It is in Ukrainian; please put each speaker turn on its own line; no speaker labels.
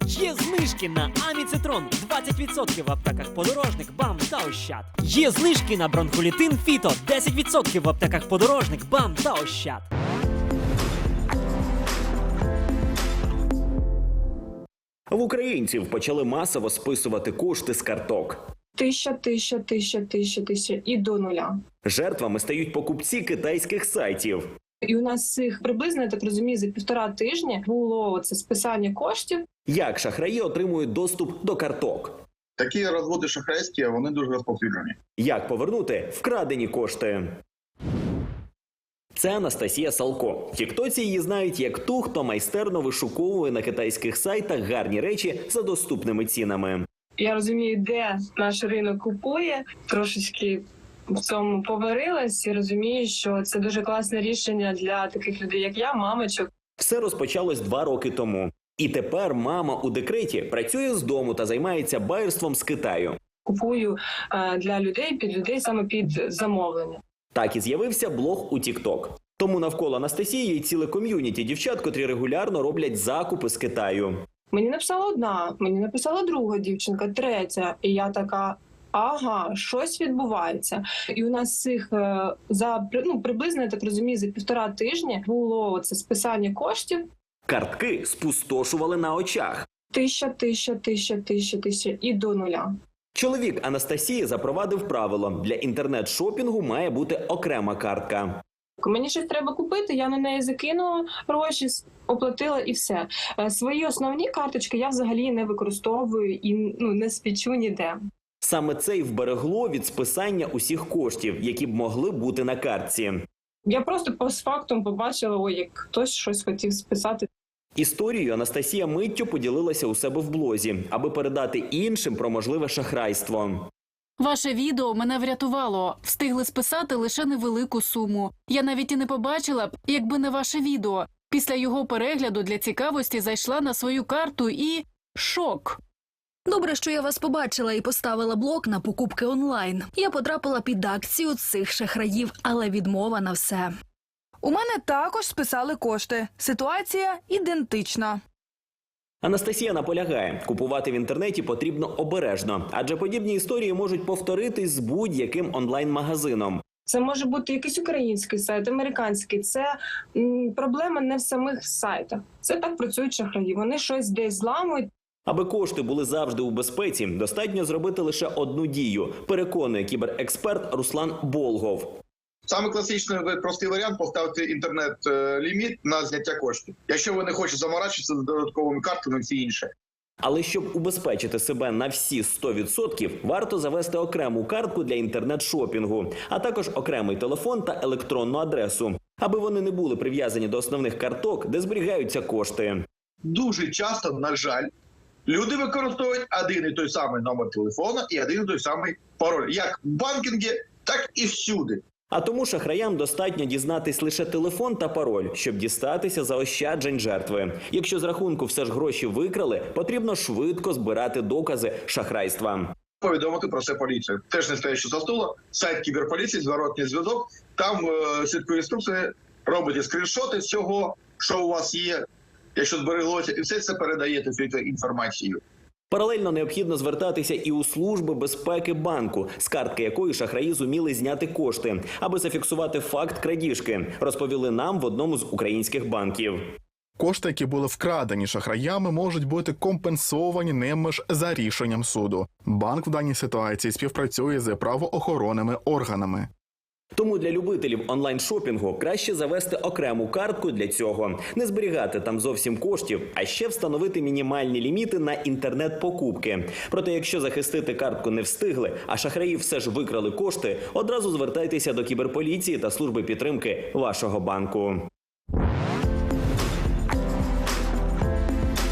Є знижки на Аміцитрон 20% в аптеках Подорожник, БАМ та Ощад. Є знижки на бронхолітин Фіто 10% в аптеках Подорожник, БАМ та Ощад.
В українців почали масово списувати кошти з карток.
1000 і до нуля.
Жертвами стають покупці китайських сайтів.
І у нас цих приблизно, я так розумію, за 1,5 тижні було це списання коштів.
Як шахраї отримують доступ до карток?
Такі розводи шахрайські, вони дуже розповсюджені.
Як повернути вкрадені кошти? Це Анастасія Салко. В тіктоці її знають як ту, хто майстерно вишуковує на китайських сайтах гарні речі за доступними цінами.
Я розумію, де наш ринок купує, трошечки в цьому поварилась і розумію, що це дуже класне рішення для таких людей, як я, мамочок.
Все розпочалось 2 роки тому. І тепер мама у декреті працює з дому та займається байерством з Китаю.
Купую для людей, під людей, саме під замовлення.
Так і з'явився блог у TikTok. Тому навколо Анастасії є ціле ком'юніті дівчат, котрі регулярно роблять закупи з Китаю.
Мені написала одна, мені написала друга дівчинка, третя. І я така, ага, щось відбувається. І у нас цих приблизно, я так розумію, за 1,5 тижні було це списання коштів.
Картки спустошували на очах.
1000 і до нуля.
Чоловік Анастасії запровадив правило – для інтернет-шопінгу має бути окрема картка.
Мені щось треба купити, я на неї закинула гроші, оплатила і все. Свої основні карточки я взагалі не використовую і не спічу ніде.
Саме це й вберегло від списання усіх коштів, які б могли бути на картці.
Я просто постфактум побачила, як хтось щось хотів списати.
Історією Анастасія миттю поділилася у себе в блозі, аби передати іншим про можливе шахрайство.
Ваше відео мене врятувало. Встигли списати лише невелику суму. Я навіть і не побачила б, якби не ваше відео. Після його перегляду для цікавості зайшла на свою карту і… шок.
Добре, що я вас побачила і поставила блок на покупки онлайн. Я потрапила під акцію цих шахраїв, але відмова на все.
У мене також списали кошти. Ситуація ідентична.
Анастасія наполягає, купувати в інтернеті потрібно обережно, адже подібні історії можуть повторитись з будь-яким онлайн-магазином.
Це може бути якийсь український сайт, американський. Це проблема не в самих сайтах. Це так працюють шахраї. Вони щось десь зламують.
Аби кошти були завжди у безпеці, достатньо зробити лише одну дію, переконує кіберексперт Руслан Болгов.
Саме класичний простий варіант – поставити інтернет-ліміт на зняття коштів. Якщо ви не хочете заморачуватися з додатковими картами і всі інше.
Але щоб убезпечити себе на всі 100%, варто завести окрему картку для інтернет-шопінгу, а також окремий телефон та електронну адресу, аби вони не були прив'язані до основних карток, де зберігаються кошти.
Дуже часто, на жаль, люди використовують один і той самий номер телефона і один і той самий пароль. Як в банкінгі, так і всюди.
А тому шахраям достатньо дізнатись лише телефон та пароль, щоб дістатися заощаджень жертви. Якщо з рахунку все ж гроші викрали, потрібно швидко збирати докази шахрайства.
Повідомити про це поліцію. Теж не стоячи за стула, сайт кіберполіції, зворотній зв'язок, там слідкує інструкції, робите скріншоти всього, що у вас є, якщо збереглося, і все це передаєте всю цю інформацію.
Паралельно необхідно звертатися і у служби безпеки банку, з картки якої шахраї зуміли зняти кошти, аби зафіксувати факт крадіжки, розповіли нам в одному з українських банків.
Кошти, які були вкрадені шахраями, можуть бути компенсовані ними ж за рішенням суду. Банк в даній ситуації співпрацює з правоохоронними органами.
Тому для любителів онлайн-шопінгу краще завести окрему картку для цього, не зберігати там зовсім коштів, а ще встановити мінімальні ліміти на інтернет-покупки. Проте, якщо захистити картку не встигли, а шахраї все ж викрали кошти, одразу звертайтеся до кіберполіції та служби підтримки вашого банку.